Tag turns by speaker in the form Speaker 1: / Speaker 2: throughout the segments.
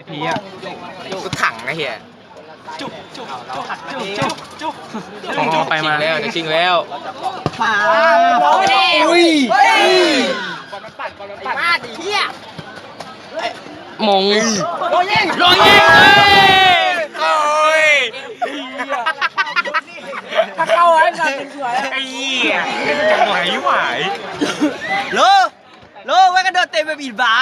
Speaker 1: พีอ่ะก็ถังไอ้เหี้ยจุ๊บไปมาแล้วจะชิงแล้วมาอุ้ยมาดิเหี้ยมงโดนยิงโอ้ยถ้าเข้าไอ้สัตว์สวยไอ้เหี้ยจะไหวโลไว้กระโดดเต็มไปบีบบา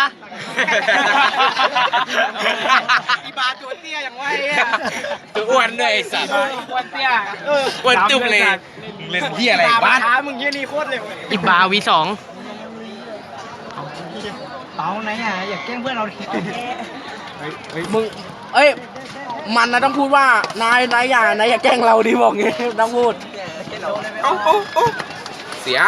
Speaker 1: อีบาตัวเตี้ยอย่างไวตัวอ้วนด้วยไอ้สัตว์อ้วนเตี้ยอ้วนจุ๊บเลยเล่นเหี้ยอะไรบ้านมึงเหี้ยนี่โคตรเร็วอีบาV2เปาไหนอ่ะอยากแกล้งเพื่อนเราดิ
Speaker 2: มึงมันนะต้องพูดว่านายอย่าแกล้งเราดิบอกงี้ต้องพูด
Speaker 1: เสีย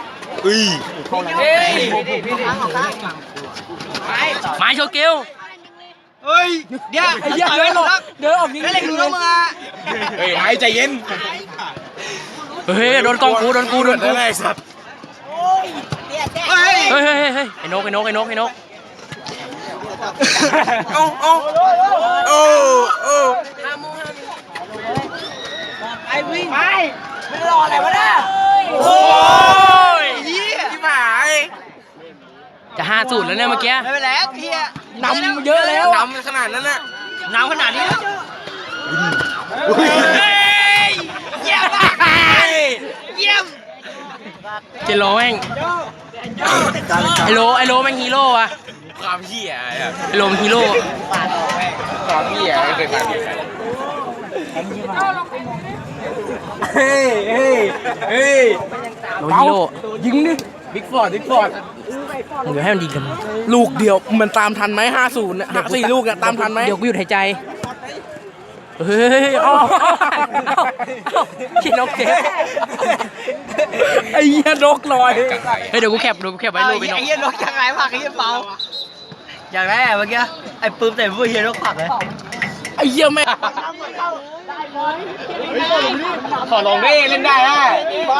Speaker 1: ไม้โชเกลเฮ้ยเดี๋ยว
Speaker 2: เดินออกยิง
Speaker 1: เล่นดูแล้วมึงอ่ะเฮ้ยไอ้ใจเย็นเฮ้ยโดนกองกูไอ้สัตว์เฮ้ยไอ้นก
Speaker 3: ไอ้วิ่งไปไม่รออะไรวะเนี่ย
Speaker 1: โอ้ยที่หายจะ5-0แล้วเนี่ยเมื่อกี้
Speaker 3: ไม่เป็นไรเฮีย
Speaker 2: นำเยอะแล้ว
Speaker 1: นำขนาดนั้นน่ะ
Speaker 3: นำขนาดนี้
Speaker 1: เยี่ยมเจโร่แม่งไอโลแม่งฮีโร่อะความเหี้ยไอโลมันฮีโร่ความเหี้ยไม่เคยผ่านเฮ้ยโลฮีโร่
Speaker 2: ยิงดิบิ๊กฟอร์ด
Speaker 1: เดี๋ยวให้มันยิงกัน
Speaker 2: ลูกเดียวมันตามทันไหม50เนี่ย4 ลูกเนี่ยตามทันไหม
Speaker 1: เดี๋ยวกูหยุดหายใจเฮ้ยขี้นกเจ็บ
Speaker 2: ไอ้เหี้ยนกลอย
Speaker 1: เฮ้ยเดี๋ยวกูแคปไว้รูปไปนก
Speaker 3: ไอ้เหี้ยนกยังไงผักไอ้เหี้ยเปาอย่างแรกเมื่อกี้ไอ้ปื้มแต่ผู้เหี้ยนกผักเลย
Speaker 2: ไอ้เหี้ยแม่
Speaker 1: ขอลงดิเล่นได้ฮะ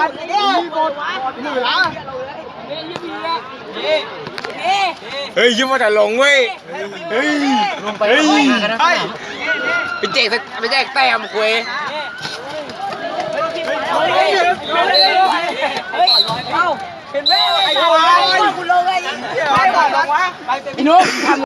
Speaker 1: เฮ้ยยิ้มมาแต่ลงเว้ยเฮ้ยลงไปไปแจกแต้มคุย
Speaker 3: เห็นไหมไอ้คุณลงไอ้
Speaker 2: ไอ้นุ๊ก